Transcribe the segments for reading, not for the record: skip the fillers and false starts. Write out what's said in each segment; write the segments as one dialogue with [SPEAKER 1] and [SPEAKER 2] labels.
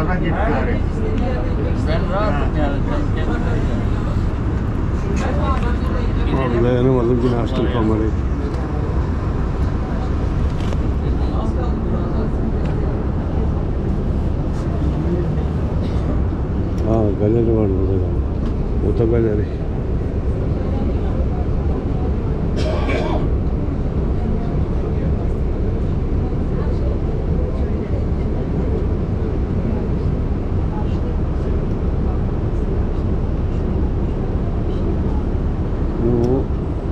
[SPEAKER 1] Dağda git gari.
[SPEAKER 2] Ben rahatım yani. Sen kendin
[SPEAKER 3] Abi dayanamadım yine açtım kamerayı. Galeri var burada galiba. Otogaleri. Bu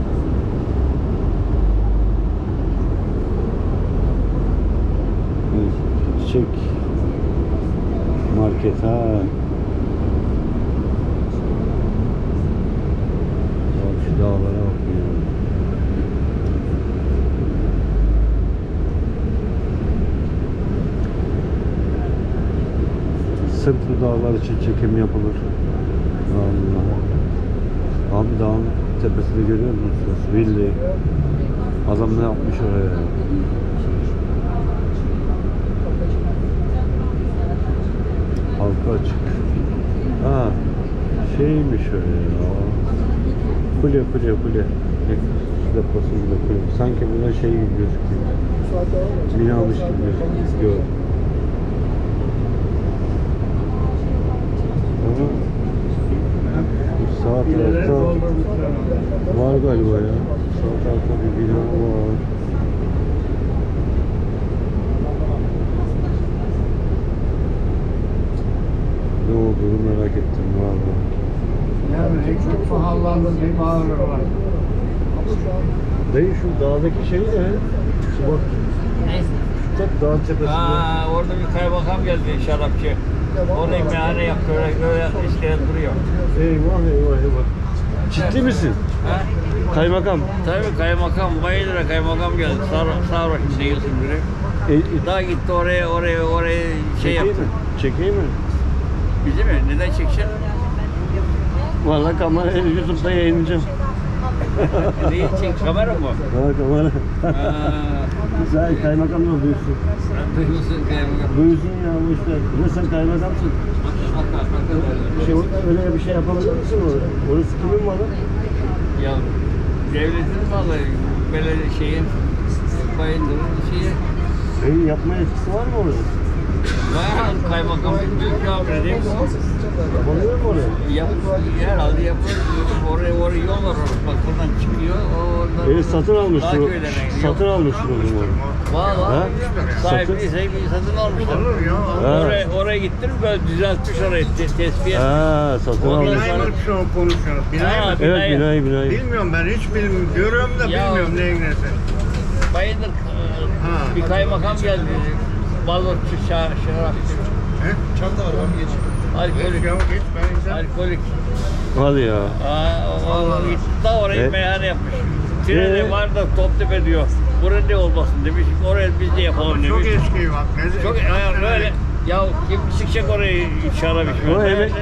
[SPEAKER 3] çiçek market ha. Şu dağlara bak ya. Sırf bu dağlar için çekim yapılır. Allah. Abi dağın tepesini görüyor musunuz? Villi. Adam ne yapmış oraya? Halka açık. Ha, şeymiş öyle ya. Kule. Deposunda kule. Sanki burada şey gibi gözüküyor. Binamış gibi gözüküyor. Ama sağ tarafta var galiba ya. Sağ tarafta bir bina var. Ne olduğunu merak ettim valla.
[SPEAKER 1] Yani çok pahalandı bir bağırıyorlar.
[SPEAKER 3] Dayı şu dağdaki şey ne? Şu bak.
[SPEAKER 2] Neyse.
[SPEAKER 3] Bak dağın tepesinde.
[SPEAKER 2] Orada bir kaymakam geldi şarapçı. Orayı meyhane yaptı. Öyle işte duruyor.
[SPEAKER 3] Eyvah. Ciddi misin?
[SPEAKER 2] Ha?
[SPEAKER 3] Kaymakam.
[SPEAKER 2] Tabii kaymakam. Bayılır kaymakam geldi. Sarhoş değilsin biri. Daha gitti oraya şey yaptı.
[SPEAKER 3] Çekeyim mi?
[SPEAKER 2] Bizi mi? Neden çekeceksin?
[SPEAKER 3] Valla kamerayı YouTube'da yayınlayacağım.
[SPEAKER 2] Neyi çek? Kamera mı?
[SPEAKER 3] Ha kamera. Güzel kaymakam da duysun.
[SPEAKER 2] Duyuyorsun kaymakam.
[SPEAKER 3] Duysun ya bu işte. Ne sen kaymakamsın? Öyle bir şey yapabilir misin orada? Orası kimin malı?
[SPEAKER 2] Ya devletin malı. Böyle şeyin Bayındır'ın şeyi.
[SPEAKER 3] Yapma etkisi var mı orada?
[SPEAKER 2] Var kaymakam büyük bir değil mi?
[SPEAKER 3] Yapabilir mi oraya?
[SPEAKER 2] Herhalde yapılır. Oraya yol var. Bak buradan çıkıyor.
[SPEAKER 3] Satın almıştır o. Satın almıştır o zaman.
[SPEAKER 2] Valla. Sahibi satın almışlar. Oraya gittim böyle düzeltmiş orayı. Tespih.
[SPEAKER 3] Ha, satın almış.
[SPEAKER 1] Binayı şu an konuşuyoruz. Binayı mı?
[SPEAKER 3] Evet binayı.
[SPEAKER 1] Bilmiyorum ben hiç bilmiyorum. Görüyorum da bilmiyorum neyin nesi.
[SPEAKER 2] Bayındır bir kaymakam geldi. Balıkçı şarapçı.
[SPEAKER 1] Çanta var ben geçeyim.
[SPEAKER 2] Alkolik.
[SPEAKER 1] Geç ben
[SPEAKER 2] Alkolik.
[SPEAKER 3] Hadi ya.
[SPEAKER 2] Da orayı meyhane yapmış. Treni var da Toptepe diyor. Buraya ne olmasın demiş. Oraya biz de yapalım demiş.
[SPEAKER 1] Çok eski bak.
[SPEAKER 2] Çok böyle. Ya kim çıkacak orayı şarap içmeye?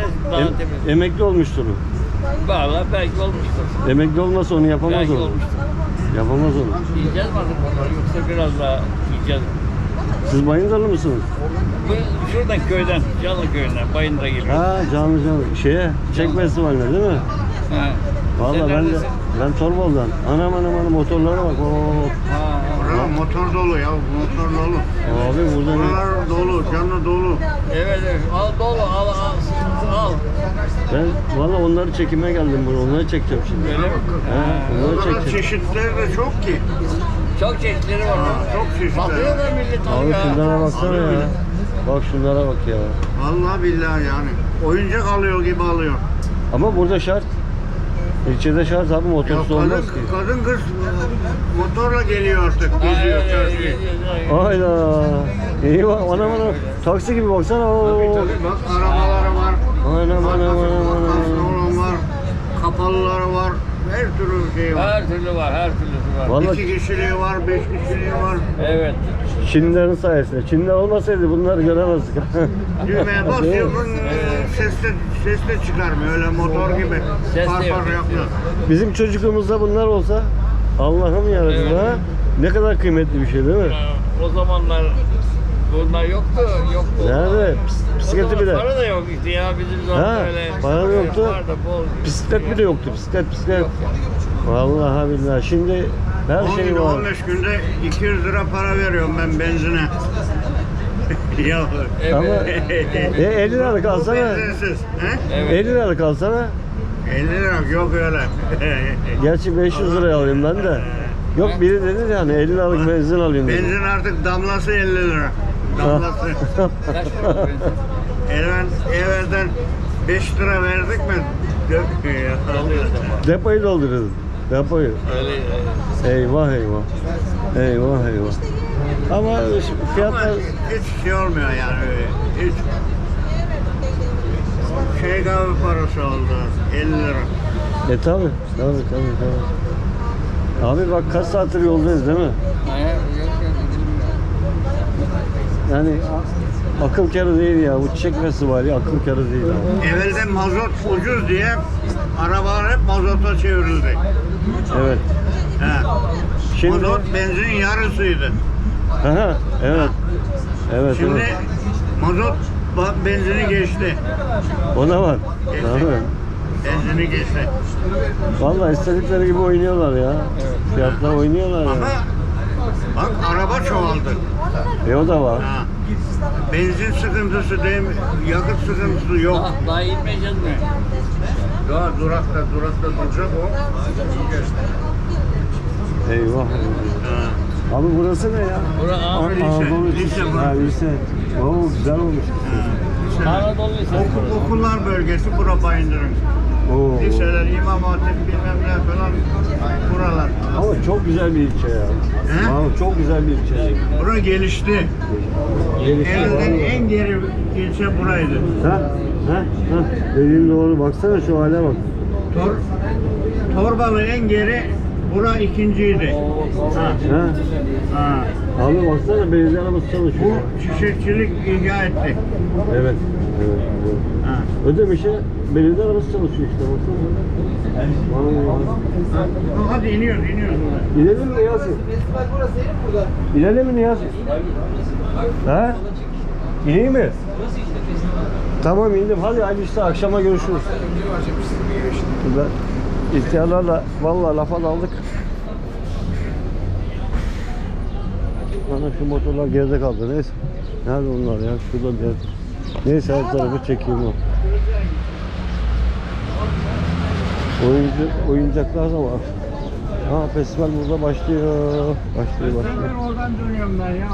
[SPEAKER 3] O emekli olmuştur o.
[SPEAKER 2] Valla belki olmuştur.
[SPEAKER 3] Emekli olmasa onu yapamaz
[SPEAKER 2] Belki
[SPEAKER 3] onu.
[SPEAKER 2] olmuştur.
[SPEAKER 3] Yapamaz onu.
[SPEAKER 2] Yiyeceğiz mi artık onları yoksa biraz daha yiyeceğiz.
[SPEAKER 3] Siz Bayındırlı mısınız?
[SPEAKER 2] Şuradan köyden, Canlı köyünden, Bayındır'a geliyor.
[SPEAKER 3] Ha canlı. Şeye, Çek Festivali'ne değil mi?
[SPEAKER 2] Ha.
[SPEAKER 3] Valla ben Torbalı'dan. Anam motorlara bak.
[SPEAKER 1] Burada motor dolu ya, motor dolu.
[SPEAKER 3] Abi burada ne?
[SPEAKER 1] Buralar dolu, canlı dolu.
[SPEAKER 2] Evet, al dolu, al.
[SPEAKER 3] Ben valla onları çekime geldim buraya. Onları çekeceğim şimdi.
[SPEAKER 2] Öyle mi?
[SPEAKER 3] Onları
[SPEAKER 1] Burada
[SPEAKER 3] çekeceğim.
[SPEAKER 1] çeşitleri de çok ki.
[SPEAKER 2] Çok çeşitleri var.
[SPEAKER 1] Çok çeşitleri.
[SPEAKER 2] Satıyor da millet
[SPEAKER 3] Abi
[SPEAKER 2] alıyor.
[SPEAKER 3] şunlara baksana ya. Bak şunlara bak ya.
[SPEAKER 1] Vallahi billahi yani. Oyuncak alıyor gibi alıyor.
[SPEAKER 3] Ama burada şart. İlçede şart abi
[SPEAKER 1] Ya
[SPEAKER 3] motorsuz olmaz ki.
[SPEAKER 1] kadın kız motorla geliyor artık. Geziyor çarşıyı.
[SPEAKER 3] Hayda. İyi bak anam. Taksi gibi baksana.
[SPEAKER 1] Tabii bak arabaları var.
[SPEAKER 3] Anam.
[SPEAKER 1] Kaslı olan var. Kapalıları var. Her türlü şey var.
[SPEAKER 2] Her türlü var, her türlüsü var.
[SPEAKER 3] Vallahi
[SPEAKER 1] 2 kişiliği var, 5 kişiliği var.
[SPEAKER 2] Evet.
[SPEAKER 3] Çinlilerin sayesinde. Çinliler olmasaydı bunları göremezdik.
[SPEAKER 1] Düğmeye basıyorsun, ses de çıkarmıyor. Öyle motor gibi.
[SPEAKER 2] Ses de
[SPEAKER 1] Far
[SPEAKER 2] yok.
[SPEAKER 1] yapıyor.
[SPEAKER 3] Bizim çocukluğumuzda bunlar olsa Allah'ım yarabbim
[SPEAKER 2] Evet.
[SPEAKER 3] ha. Ne kadar kıymetli bir şey değil mi?
[SPEAKER 2] O zamanlar Bunlar yoktu.
[SPEAKER 3] Nerede? Bisikleti bile.
[SPEAKER 2] Para da yok işte ya bizim zaman
[SPEAKER 3] Ha,
[SPEAKER 2] öyle.
[SPEAKER 3] para da yoktu.
[SPEAKER 2] Vardı, bol.
[SPEAKER 3] Bisiklet bile yoktu. Bisiklet. Vallahi billahi. Şimdi her şey var.
[SPEAKER 1] 15 günde 200 lira para veriyorum ben benzine. Ya.
[SPEAKER 2] Evet.
[SPEAKER 3] Ama 50 liralık alsana.
[SPEAKER 1] Benzinsiz. He?
[SPEAKER 2] Evet.
[SPEAKER 3] 50 liralık alsana.
[SPEAKER 1] 50 lira yok öyle.
[SPEAKER 3] Gerçi 500 liraya alayım ben de. Yok biri dedi yani 50 liralık benzin alayım dedi.
[SPEAKER 1] Benzin artık damlası 50 lira. Damlası.
[SPEAKER 2] Kaç para benzin?
[SPEAKER 1] Evvelden 5 lira verdik mi? Dökmüyor ya.
[SPEAKER 2] Alıyoruz ama.
[SPEAKER 3] Depoyu dolduruyordum. Depoyu.
[SPEAKER 2] Öyle.
[SPEAKER 3] Eyvah. Ama
[SPEAKER 1] Ama
[SPEAKER 3] fiyatlar
[SPEAKER 1] hiç şey olmuyor yani öyle. Hiç. Şey kahve parası oldu. 50 lira.
[SPEAKER 3] tabi. Abi bak kaç saattir yoldayız değil mi? Yani akıl kârı değil ya. Bu çekmesi var ya akıl kârı değil abi.
[SPEAKER 1] Evvelden mazot ucuz diye arabalar hep mazota çevrildi.
[SPEAKER 3] Evet.
[SPEAKER 1] He.
[SPEAKER 3] Şimdi
[SPEAKER 1] Mazot benzinin yarısıydı.
[SPEAKER 3] Aha, evet. Evet.
[SPEAKER 1] Şimdi mazot benzini geçti.
[SPEAKER 3] Ona var.
[SPEAKER 1] Geçti.
[SPEAKER 3] Abi.
[SPEAKER 1] Benzini geçti.
[SPEAKER 3] Vallahi istedikleri gibi oynuyorlar ya. Fiyatla oynuyorlar ya.
[SPEAKER 1] Ama bak araba çoğaldı.
[SPEAKER 3] O da var.
[SPEAKER 1] Ha. Benzin sıkıntısı değil mi? Yakıt sıkıntısı yok.
[SPEAKER 2] Daha inmeyeceğiz mi?
[SPEAKER 1] Daha durakta duracak o.
[SPEAKER 3] Eyvah.
[SPEAKER 1] Ha.
[SPEAKER 3] Abi burası ne ya?
[SPEAKER 2] Burası
[SPEAKER 1] Lise,
[SPEAKER 3] Anadolu
[SPEAKER 1] lise
[SPEAKER 3] Lisesi.
[SPEAKER 1] burası.
[SPEAKER 3] Ha lise. Oo güzel olmuş.
[SPEAKER 2] Anadolu Lisesi.
[SPEAKER 1] Okullar bölgesi bura Bayındır'ın.
[SPEAKER 3] Oo.
[SPEAKER 1] Liseler, İmam Hatip bilmem ne falan buralar.
[SPEAKER 3] Ama çok güzel bir ilçe ya.
[SPEAKER 1] He?
[SPEAKER 3] Vallahi çok güzel bir ilçe.
[SPEAKER 1] Bura gelişti.
[SPEAKER 3] Gelişti
[SPEAKER 1] Evvelden
[SPEAKER 3] vallahi.
[SPEAKER 1] en geri ilçe buraydı.
[SPEAKER 3] Ha? Dediğin doğru. Baksana şu hale bak.
[SPEAKER 1] Torbalı en geri, bura ikinciydi. Ha.
[SPEAKER 3] Ha?
[SPEAKER 1] Ha.
[SPEAKER 3] Abi baksana belediye arabası çalışıyor.
[SPEAKER 1] Bu çiçekçilik icat etti.
[SPEAKER 3] Evet.
[SPEAKER 1] Ha.
[SPEAKER 3] Ödemiş'e belediye arabası çalışıyor işte baksana. Vallahi.
[SPEAKER 1] Hadi iniyoruz.
[SPEAKER 3] İnelim mi Niyazi? İnelim mi Niyazi? Ha? İneyim mi? Tamam indim. Hadi işte akşama görüşürüz. Burada ihtiyarlarla vallahi lafa daldık. Bana şu motorlar geride kaldı. Neyse. Nerede onlar ya? Şurada bir yer. Neyse her tarafı çekeyim o. Oyuncaklar da var. Ha festival burada başlıyor. Başlıyor.
[SPEAKER 1] Ben oradan dönüyorum ben ya.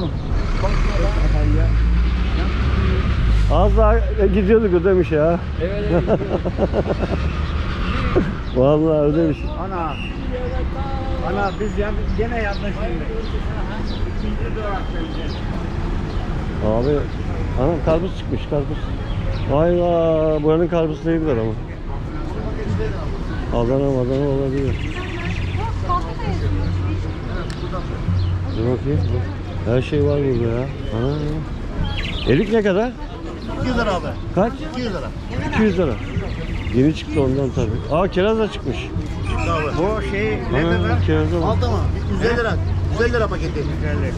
[SPEAKER 3] Az daha gidiyorduk Ödemiş ya.
[SPEAKER 2] Evet.
[SPEAKER 3] Vallahi Ödemiş.
[SPEAKER 1] Ana biz gene yanlış şimdi. İkinci duraktayız.
[SPEAKER 3] Abi anam karpuz çıkmış karpuz. Vay vay buranın karpuz değildir ama. Adana olabilir. Dur bakayım. Her şey var burada ya. Ana. Erik ne kadar?
[SPEAKER 1] 200 lira abi.
[SPEAKER 3] Kaç?
[SPEAKER 1] 200 lira.
[SPEAKER 3] 200 lira. Yeni çıktı ondan tabii. Aa kiraz da çıkmış.
[SPEAKER 1] Bu şey ne
[SPEAKER 3] Ana,
[SPEAKER 1] kadar?
[SPEAKER 3] kiraza bak.
[SPEAKER 1] Aldı mı? 150 lira. 150 lira paketi. 150.